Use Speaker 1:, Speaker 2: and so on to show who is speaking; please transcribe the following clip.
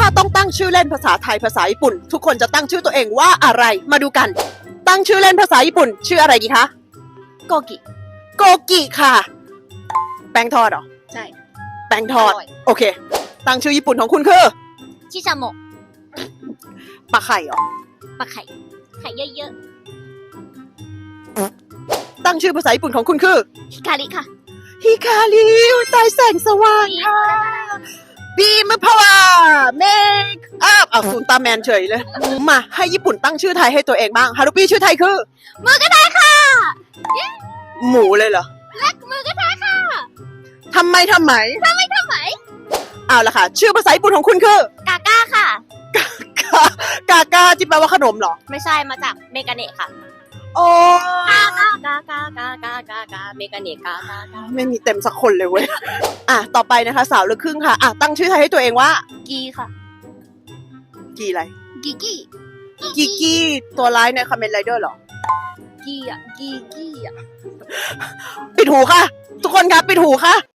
Speaker 1: ต้องตั้งชื่อเล่นภาษาไทยภาษาญี่ปุ่นทุกคนจะตั้งชื่อตัวเองว่าอะไรมาดูกัน ตั้งชื่อเล่นภาษาญี่ปุ่นชื่ออะไรดีคะ
Speaker 2: โกกิ
Speaker 1: โกกิค่ะแป้งทอดเหรอ
Speaker 2: ใช่
Speaker 1: แป้งทอด
Speaker 2: อร่อย
Speaker 1: โอเค ตั้งชื่อญี่ปุ่นของคุณคือ
Speaker 2: ชิชาโมะ
Speaker 1: ปลาไข่เหรอ
Speaker 2: ปลาไข่ไข่เยอะ
Speaker 1: ตั้งชื่อภาษาญี่ปุ่นของคุณคือ
Speaker 2: ๆฮิคาริค่ะ
Speaker 1: ฮิคาริตายแสงสว่างค่ะบีมพาวาเมคอัพศูนย์ตาแมนเฉยเลยมาให้ญี่ปุ่นตั้งชื่อไทยให้ตัวเองบ้างฮารุปี้ชื่อไทยคือ
Speaker 2: มือกระทะค่ะ
Speaker 1: หมูเลยเหรอ
Speaker 2: มือกระทะค่ะ
Speaker 1: ทำไม
Speaker 2: ทำไม
Speaker 1: เอาละค่ะ ชื่อภาษาญี่ปุ่นของคุณคือก
Speaker 2: าก้าค่ะ
Speaker 1: กากาที่แปลว่าขนมเหรอ
Speaker 2: ไม่ใช่มาจากเมกาเนะค่ะ
Speaker 1: โอ้
Speaker 2: กาเมกาเนะกา
Speaker 1: ไม่มีเต็มสักคนเลยเว้ยต่อไปนะคะ สาวลูกครึ่งค่ะตั้งชื่อไทยให้ตัวเองว่า
Speaker 2: กีค่ะ
Speaker 1: กีอะไร
Speaker 2: กีกี้
Speaker 1: กีกี้ตัวร้ายในคอมเมนต์ไรเดอร์เหรอ
Speaker 2: กีอ่ะกีกี้อ่ะ
Speaker 1: ปิดหูค่ะ ทุกคนครับปิดหูค่ะ